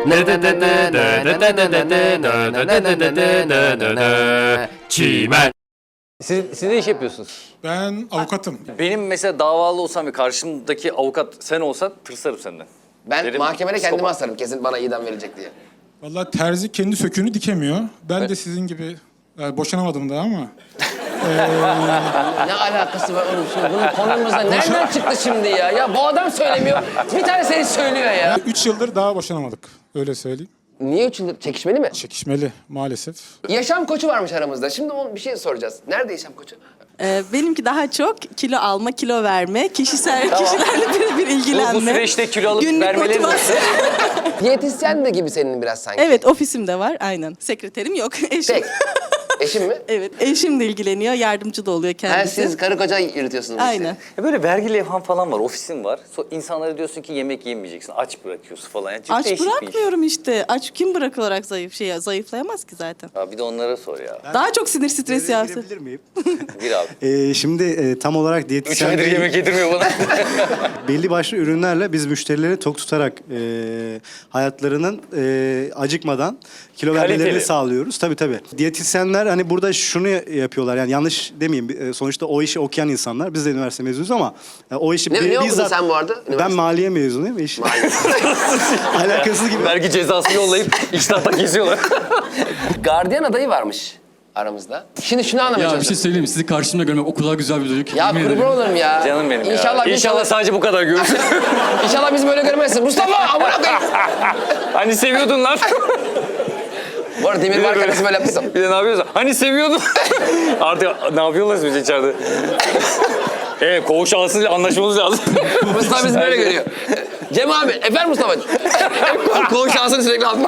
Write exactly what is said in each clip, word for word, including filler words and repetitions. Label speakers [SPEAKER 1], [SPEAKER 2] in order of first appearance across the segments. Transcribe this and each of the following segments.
[SPEAKER 1] Çimen.
[SPEAKER 2] Siz, siz ne iş yapıyorsunuz?
[SPEAKER 3] Ben avukatım.
[SPEAKER 2] Benim mesela davalı olsam ve karşımdaki avukat sen olsan tırsarım senden.
[SPEAKER 4] Ben
[SPEAKER 2] Derim,
[SPEAKER 4] mahkemede kendimi
[SPEAKER 2] sopa.
[SPEAKER 4] asarım kesin bana idam verecek diye.
[SPEAKER 3] Vallahi terzi kendi söküğünü dikemiyor. Ben de sizin gibi yani boşanamadım daha ama.
[SPEAKER 4] Ne alakası var oğlum şimdi bunun konumuzda nereden çıktı şimdi ya? Ya bu adam söylemiyor. Bir tane seni söylüyor ya.
[SPEAKER 3] Üç yıldır daha boşanamadık. Öyle söyleyeyim.
[SPEAKER 4] Niye üç yıldır? Çekişmeli mi?
[SPEAKER 3] Çekişmeli maalesef.
[SPEAKER 4] Yaşam koçu varmış aramızda. Şimdi onun bir şey soracağız. Nerede yaşam koçu?
[SPEAKER 5] Ee, benimki daha çok kilo alma, kilo verme, kişisel kişilerle birebir ilgilenme.
[SPEAKER 2] Bu, bu süreçte kilo alıp
[SPEAKER 5] Günlük
[SPEAKER 2] vermeleri
[SPEAKER 5] motivasyon.
[SPEAKER 4] Diyetisyen de gibi senin biraz sanki.
[SPEAKER 5] Evet, ofisim de var aynen. Sekreterim yok, eşim.
[SPEAKER 4] Tek. Eşin mi?
[SPEAKER 5] Evet, eşim de ilgileniyor, yardımcı da oluyor
[SPEAKER 4] Ha,
[SPEAKER 5] kendisi.
[SPEAKER 4] siz karı koca yürütüyorsunuz. bu işi.
[SPEAKER 5] Aynen.
[SPEAKER 2] Ya böyle vergi levhan falan var, ofisin var. So, insanlara diyorsun ki yemek yemeyeceksin, aç bırakıyorsun falan. Yani çok
[SPEAKER 5] Aç
[SPEAKER 2] değişik bir iş.
[SPEAKER 5] bırakmıyorum işte. Aç kim bırakılarak zayıf şey zayıflayamaz ki zaten.
[SPEAKER 2] Ya bir de onlara sor ya.
[SPEAKER 5] Daha çok sinir stresi yaptı.
[SPEAKER 6] Girebilir miyim?
[SPEAKER 2] Bir abi.
[SPEAKER 6] Ee, şimdi e, tam olarak
[SPEAKER 2] Üç
[SPEAKER 6] diyetisyen
[SPEAKER 2] aydır
[SPEAKER 6] değil,
[SPEAKER 2] yemek yedirmiyor bana.
[SPEAKER 6] belli başlı ürünlerle biz müşterileri tok tutarak e, hayatlarının e, acıkmadan kilo
[SPEAKER 2] Kaliteli.
[SPEAKER 6] vermelerini sağlıyoruz. Tabii tabii. Diyetisyenler hani burada şunu yapıyorlar yani yanlış demeyeyim. E, sonuçta o işi okuyan insanlar. Biz de üniversite mezunuyuz ama e, o işi
[SPEAKER 4] Ne,
[SPEAKER 6] bi-
[SPEAKER 4] ne okudun
[SPEAKER 6] bizzat...
[SPEAKER 4] sen bu arada?
[SPEAKER 6] Ben
[SPEAKER 4] Üniversite.
[SPEAKER 6] maliye mezunuyum. Iş... Alakasız gibi.
[SPEAKER 2] Vergi cezası yollayıp iştahta kesiyorlar.
[SPEAKER 4] Gardiyan adayı varmış aramızda. Şimdi şunu anlamaya
[SPEAKER 7] Ya bir şey
[SPEAKER 4] çalışıyorum.
[SPEAKER 7] söyleyeyim mi? Sizi karşımda görmek o kadar güzel bir duygu ki.
[SPEAKER 4] Ya
[SPEAKER 7] yemin
[SPEAKER 4] kurban
[SPEAKER 7] ederim.
[SPEAKER 4] olurum ya.
[SPEAKER 2] Canım benim
[SPEAKER 4] İnşallah
[SPEAKER 2] ya. İnşallah sadece bu kadar görürsün.
[SPEAKER 4] İnşallah bizi böyle görmezsin. Mustafa amına koyayım.
[SPEAKER 2] Hani seviyordun lan.
[SPEAKER 4] Bu arada demir var karısı böyle yaptıysam.
[SPEAKER 2] Bir de ne yapıyorsun? Hani seviyordun. Artık ne yapıyorlar biz içeride? Evet, koğuş ağasıyla anlaşmamız lazım.
[SPEAKER 4] Mustafa bizi böyle görüyor. Cem abi, efendim Mustafa'cığım. Koğuş şansını sürekli atma.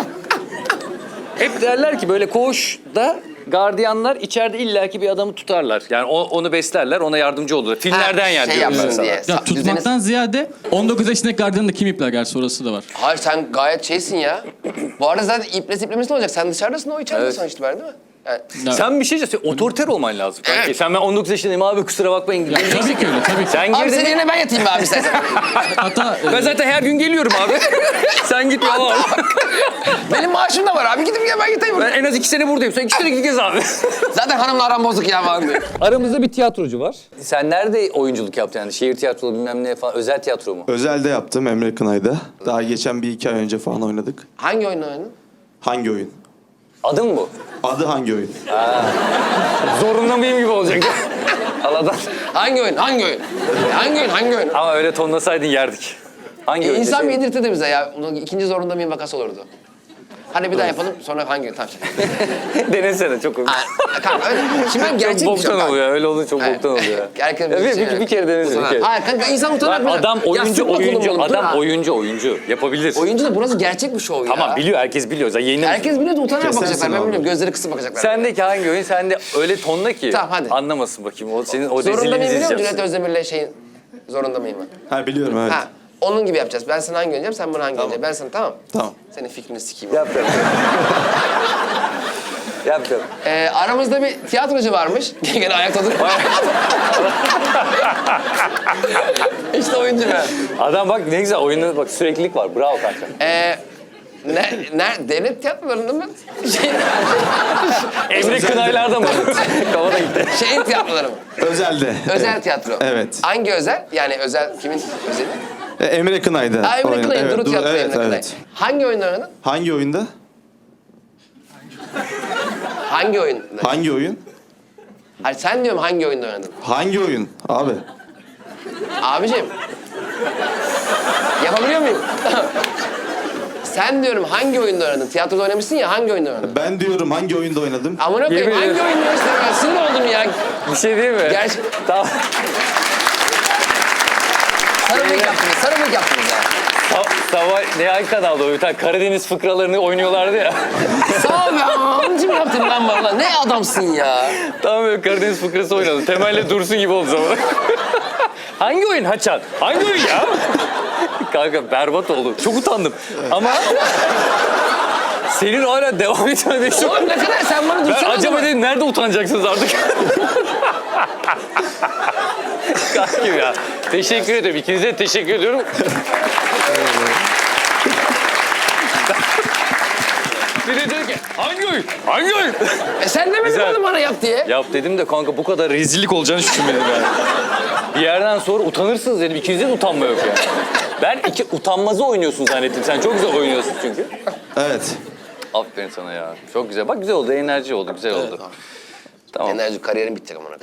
[SPEAKER 2] Hep derler ki böyle koğuşta gardiyanlar içeride illaki bir adamı tutarlar. Yani o- onu beslerler, ona yardımcı olurlar. Filmlerden
[SPEAKER 4] Ha,
[SPEAKER 2] yani
[SPEAKER 4] şey
[SPEAKER 2] diyorum ben
[SPEAKER 4] yapsın
[SPEAKER 2] sana.
[SPEAKER 4] diye.
[SPEAKER 7] Ya
[SPEAKER 4] Sa-
[SPEAKER 7] tutmaktan ziyade on dokuz yaşındaki gardiyanı da kim ipler gerçi orası da var.
[SPEAKER 4] Hayır sen gayet şeysin ya. Bu arada zaten iplesi iplemesi ne olacak? Sen dışarıdasın, o içeride
[SPEAKER 2] Evet.
[SPEAKER 4] sonuçta var değil mi? Yani,
[SPEAKER 7] Ya,
[SPEAKER 2] Sen bir şey söyle, otoriter olman lazım. Kanki. Sen ben on dokuz yaşındayım abi kusura bakmayın.
[SPEAKER 7] ya tabii ki öyle tabii ki.
[SPEAKER 2] Sen
[SPEAKER 4] abi
[SPEAKER 2] girdin.
[SPEAKER 4] senin yerine ben yatayım be abi istersen.
[SPEAKER 7] Hatta
[SPEAKER 2] Ben
[SPEAKER 7] e,
[SPEAKER 2] zaten her gün geliyorum abi. Sen git valla.
[SPEAKER 4] Benim maaşım da var abi. Gidip ya ben yatayım.
[SPEAKER 2] Ben en az iki sene buradayım. Sen iki sene gideceğiz abi.
[SPEAKER 4] Zaten hanımla aram bozuk ya falan diyor.
[SPEAKER 2] Aramızda bir tiyatrocu var. Sen nerede oyunculuk yaptın yani? Şehir tiyatrolu bilmem ne falan. Özel tiyatro mu?
[SPEAKER 8] Özelde yaptım Emre Kınay'da. Daha geçen bir iki ay önce falan oynadık.
[SPEAKER 4] Hangi oyunu oynadın?
[SPEAKER 8] Hangi oyun?
[SPEAKER 2] Adın bu.
[SPEAKER 8] Adı hangi oyun?
[SPEAKER 2] Zorunda mıyım gibi olacak. Allah'tan.
[SPEAKER 4] Hangi oyun? Hangi oyun? Hangi oyun? Hangi oyun?
[SPEAKER 2] Ama öyle tonlasaydın yerdik. Hangi
[SPEAKER 4] E,
[SPEAKER 2] oyun
[SPEAKER 4] insan bir
[SPEAKER 2] deseydin?
[SPEAKER 4] yedirtirdi bize ya. Bunun ikinci zorunda mıyım vakası olurdu. Hadi bir daha yapalım. Sonra hangi oyun? Tamam.
[SPEAKER 2] Denesene çok komik.
[SPEAKER 4] Ha, kanka öyle. Şimdi ben gerçek
[SPEAKER 2] Çok
[SPEAKER 4] bir şey
[SPEAKER 2] boktan
[SPEAKER 4] yok.
[SPEAKER 2] oluyor. Öyle olunca çok
[SPEAKER 4] Evet.
[SPEAKER 2] boktan oluyor.
[SPEAKER 4] Herkes
[SPEAKER 2] Ya bir,
[SPEAKER 4] şey,
[SPEAKER 2] bir, bir kere denesene bir kere.
[SPEAKER 4] Hayır kanka insan utanır.
[SPEAKER 2] Lan adam oyuncu oyuncu adam
[SPEAKER 4] oyuncu.
[SPEAKER 2] oyuncu oyuncu yapabilir.
[SPEAKER 4] Oyuncu da burası gerçek bir şov ya.
[SPEAKER 2] Tamam biliyor herkes biliyor. Zaten yayınlamış.
[SPEAKER 4] Herkes biliyor da utanarak
[SPEAKER 8] Kesersin
[SPEAKER 4] bakacaklar. Ben
[SPEAKER 8] abi.
[SPEAKER 4] bilmiyorum. Gözleri kısıp bakacaklar.
[SPEAKER 2] Sendeki hangi oyun? Sende öyle tonla ki
[SPEAKER 4] Tamam, hadi.
[SPEAKER 2] anlamasın bakayım. O senin o
[SPEAKER 4] Zorunda
[SPEAKER 2] rezilliğini
[SPEAKER 4] mıyım biliyor musun?
[SPEAKER 2] izleyeceğim.
[SPEAKER 4] Cüneyt Özdemir'le şeyin zorunda mıyım ben?
[SPEAKER 8] Ha biliyorum evet.
[SPEAKER 4] Ha, onun gibi yapacağız. Ben sana hangi oynayacağım, sen bana hangi oynayacaksın. Ben sana tamam.
[SPEAKER 8] Tamam.
[SPEAKER 4] Senin fikrini sikeyim.
[SPEAKER 2] Yap yap. Yap yap.
[SPEAKER 4] Ee, aramızda bir tiyatrocu varmış. Gene ayakta dur. İşte oyuncu ben.
[SPEAKER 2] Adam bak ne güzel oyunda bak süreklilik var. Bravo kanka.
[SPEAKER 4] Ee, ne, ne, devlet tiyatrolarında mı? Şey,
[SPEAKER 2] Emre Kınaylar'da mı? Kafada gitti.
[SPEAKER 4] şeyin tiyatroları mı?
[SPEAKER 8] Özelde.
[SPEAKER 4] Özel tiyatro.
[SPEAKER 8] Evet.
[SPEAKER 4] Hangi özel? Yani özel, kimin özeli?
[SPEAKER 8] E, Emre Kınay'da.
[SPEAKER 4] Ha, Emre
[SPEAKER 8] oynadım.
[SPEAKER 4] Kınay'ın,
[SPEAKER 8] Evet,
[SPEAKER 4] Duru
[SPEAKER 8] Duru-
[SPEAKER 4] Tiyatro
[SPEAKER 8] evet,
[SPEAKER 4] Emre Kınay.
[SPEAKER 8] evet.
[SPEAKER 4] Hangi oyunda oynadın?
[SPEAKER 8] Hangi oyunda?
[SPEAKER 4] Hangi oyunda?
[SPEAKER 8] Hangi oyun?
[SPEAKER 4] Hayır sen diyorum hangi oyunda oynadın?
[SPEAKER 8] Hangi oyun? Abi.
[SPEAKER 4] Abicim. Yapabiliyor muyum? Sen diyorum hangi oyunda oynadın? Tiyatroda oynamışsın ya hangi oyunda oynadın?
[SPEAKER 8] Ben diyorum hangi oyunda oynadım?
[SPEAKER 4] Amına koyayım
[SPEAKER 2] Yemin
[SPEAKER 4] hangi
[SPEAKER 2] ederim.
[SPEAKER 4] oyunda oynadın? Ben sinir oldum ya.
[SPEAKER 2] Bir şey değil mi?
[SPEAKER 4] Gerçi
[SPEAKER 2] Tamam.
[SPEAKER 4] sarımlık yaptınız, sarımlık yaptınız ya.
[SPEAKER 2] Sa- Sabah ne hangi kanalda o bir tane Karadeniz fıkralarını oynuyorlardı ya.
[SPEAKER 4] Sağ ol be amcım yaptın lan bana. Ne adamsın ya.
[SPEAKER 2] Tam böyle Karadeniz fıkrası oynadı. Temel'le Dursun gibi oldu zaman. Hangi oyun Haçan? Hangi oyun ya? Kanka berbat oldu. Çok utandım. Ama senin hala devam etmeden çok...
[SPEAKER 4] Oğlum ne kadar sen bana
[SPEAKER 2] Ben
[SPEAKER 4] dursana o
[SPEAKER 2] acaba
[SPEAKER 4] zaman.
[SPEAKER 2] dedim nerede utanacaksınız artık? Kankim ya. Teşekkür ederim. İkinize de teşekkür ediyorum. Hangi oyun? Hangi oyun?
[SPEAKER 4] E sen demedin
[SPEAKER 2] Güzel.
[SPEAKER 4] oğlum bana yap diye.
[SPEAKER 2] Yap dedim de kanka bu kadar rezillik olacağını hiç düşünmedim yani. Bir yerden sonra utanırsınız dedim. İkinizde de utanma yok yani. Ben iki utanmazı oynuyorsun zannettim. Sen çok güzel oynuyorsun çünkü.
[SPEAKER 8] Evet.
[SPEAKER 2] Aferin sana ya. Çok güzel. Bak güzel oldu. Enerji oldu. Güzel oldu. Tamam.
[SPEAKER 4] Enerji kariyerim bitti amına.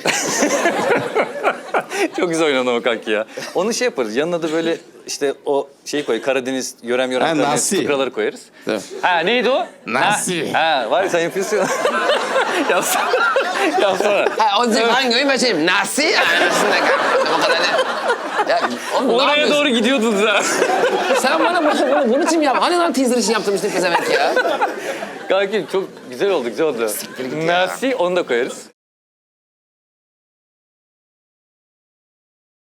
[SPEAKER 2] Çok güzel oynadın ama kanki ya. Onu şey yaparız. Yanına da böyle işte o şeyi koy. Karadeniz, yörem yörem
[SPEAKER 8] Ha,
[SPEAKER 2] Karadeniz
[SPEAKER 8] nasi.
[SPEAKER 2] fıkraları koyarız.
[SPEAKER 8] Evet.
[SPEAKER 2] Ha neydi o?
[SPEAKER 8] Nasi.
[SPEAKER 2] Ha, ha var ya sen yapıyorsun. Yapsana. Yapsana.
[SPEAKER 4] Ha o diyecek hangi oyun ben şeyim. Nasıl? Anasını kanka. O kadar ne? Ya oğlum ne
[SPEAKER 2] Oraya
[SPEAKER 4] yapıyorsun?
[SPEAKER 2] doğru gidiyordun sen.
[SPEAKER 4] Sen bana bunu, bunu, bunu için mi yaptın? Hani lan teaser için yaptım işte pezevenk ya.
[SPEAKER 2] Kanki çok güzel oldu, güzel oldu.
[SPEAKER 4] git ya.
[SPEAKER 2] Nasi onu da koyarız.